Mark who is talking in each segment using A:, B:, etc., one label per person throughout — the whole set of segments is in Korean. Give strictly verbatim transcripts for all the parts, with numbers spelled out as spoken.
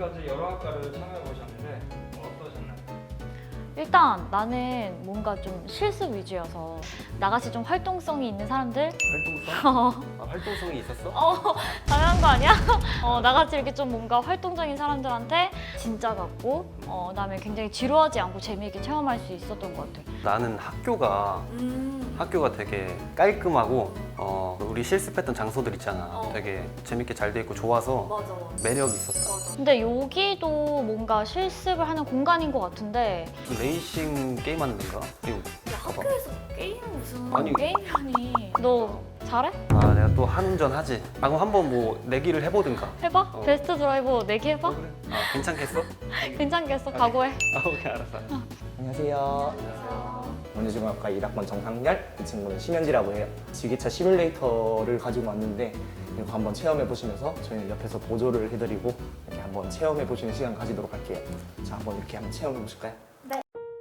A: 지금까지 여러 학과를 참여해 보셨는데 어떠셨나요?
B: 일단 나는 뭔가 좀 실습 위주여서 나같이 좀 활동성이 있는 사람들
C: 활동성?
B: 어,
C: 아, 활동성이 있었어?
B: 어 당연한 거 아니야? 어, 나같이 이렇게 좀 뭔가 활동적인 사람들한테 진짜 같고 어, 그다음에 굉장히 지루하지 않고 재미있게 체험할 수 있었던 것 같아.
C: 나는 학교가
B: 음.
C: 학교가 되게 깔끔하고 어, 우리 실습했던 장소들 있잖아.
B: 어.
C: 되게 재밌게 잘 돼 있고 좋아서
B: 맞아.
C: 매력 있었다.
B: 맞아. 근데 여기도 뭔가 실습을 하는 공간인 것 같은데
C: 무슨 레이싱 게임 하는 데인가? 이거
B: 야,
C: 봐봐.
B: 학교에서 게임 무슨
C: 아니.
B: 게임이라니. 너 잘해?
C: 아 내가 또 한운전 하지. 아 그럼 한번 뭐 내기를 해보든가.
B: 해봐?
C: 어.
B: 베스트 드라이버 내기 해봐?
C: 어, 그래? 아 괜찮겠어?
B: 괜찮겠어? 각오해.
C: 아 오케이 알았어.
D: 안녕하세요. 원주중학과 일 학번 정상열, 이 친구는 심현지라고 해요. 지게차 시뮬레이터를 가지고 왔는데 이거 한번 체험해 보시면서 저희는 옆에서 보조를 해드리고 이렇게 한번 체험해 보시는 시간 가지도록 할게요. 자, 한번 이렇게 한번 체험해 보실까요?
B: 네.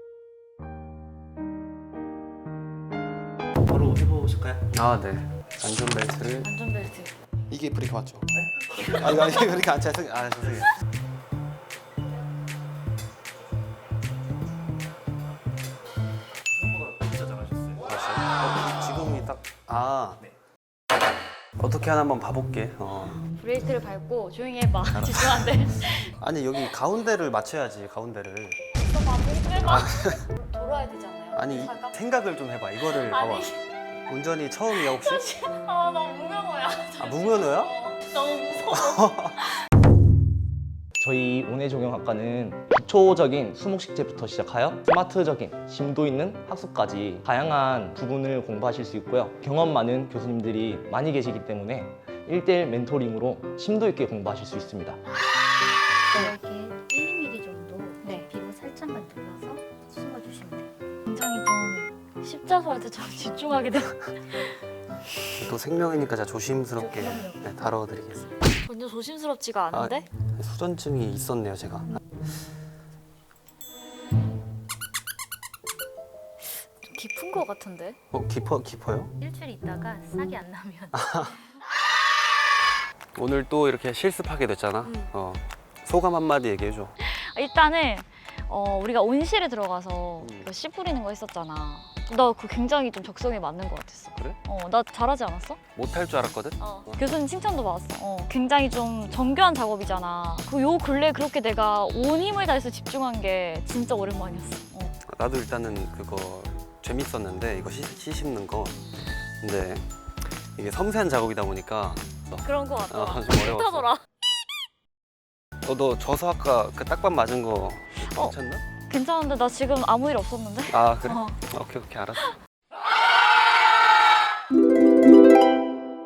D: 바로 해보실까요?
C: 아 네. 안전벨트를
B: 안전벨트.
C: 이게 브레이크 맞죠? 네? 아 이거 이게 브레이크 안 차서 아 죄송해요.
D: 생각보다 진짜 잘하셨어요.
C: 어, 지금이 딱 아. 어떻게 하나 한번 봐볼게. 어.
B: 브레이크를 밟고 조용히 해봐. 집중 안 돼.
C: 아니 여기 가운데를 맞춰야지 가운데를.
B: 있어봐. 좀 해봐. 돌아야 되잖아요.
C: 아니 이-
B: 차가.
C: 생각을 좀 해봐. 이거를 봐봐.
B: 아니.
C: 운전이 처음이야 혹시?
B: 아, 나 무명어야.
C: 아 무면허야?
B: 어, 너무 무서워.
D: 저희 온해조경학과는 기초적인 수목식제부터 시작하여 스마트적인 심도 있는 학습까지 다양한 부분을 공부하실 수 있고요. 경험 많은 교수님들이 많이 계시기 때문에 일대일 멘토링으로 심도 있게 공부하실 수 있습니다.
E: 이렇게 일, 이 밀리미터 정도
B: 네.
E: 피부 살짝만 눌러서 숨어주시면 돼요.
B: 굉장히 좀 십자수 할 때 좀 집중하게 돼.
C: 또 생명이니까 제가 조심스럽게 네, 다뤄드리겠습니다.
B: 전혀 조심스럽지가 않은데?
C: 수전증이 있었네요 제가.
B: 좀 깊은 거 같은데?
C: 어 깊어 깊어요?
E: 일주일 있다가 싹이 안 나면
C: 오늘 또 이렇게 실습하게 됐잖아.
B: 음.
C: 어 소감 한마디 얘기해줘.
B: 일단은 어, 우리가 온실에 들어가서
C: 음.
B: 그 씨 뿌리는 거 했었잖아. 나 그 굉장히 좀 적성에 맞는 것 같았어.
C: 그래?
B: 어, 나 잘하지 않았어?
C: 못할 줄 알았거든.
B: 어. 교수님 칭찬도 받았어. 어, 굉장히 좀 정교한 작업이잖아. 그 요 근래 그렇게 내가 온 힘을 다해서 집중한 게 진짜 오랜만이었어. 어.
C: 나도 일단은 그거 재밌었는데 이거 씨, 씨 씹는 거. 근데 이게 섬세한 작업이다 보니까
B: 그런 거 같더라.
C: 어, 좀 어려웠어.
B: 못하더라.
C: 어, 너 저서 아까 그 딱밤 맞은 거
B: 어.
C: 괜찮나?
B: 괜찮은데 나 지금 아무 일 없었는데?
C: 아 그래?
B: 어.
C: 오케이 오케이 알았어.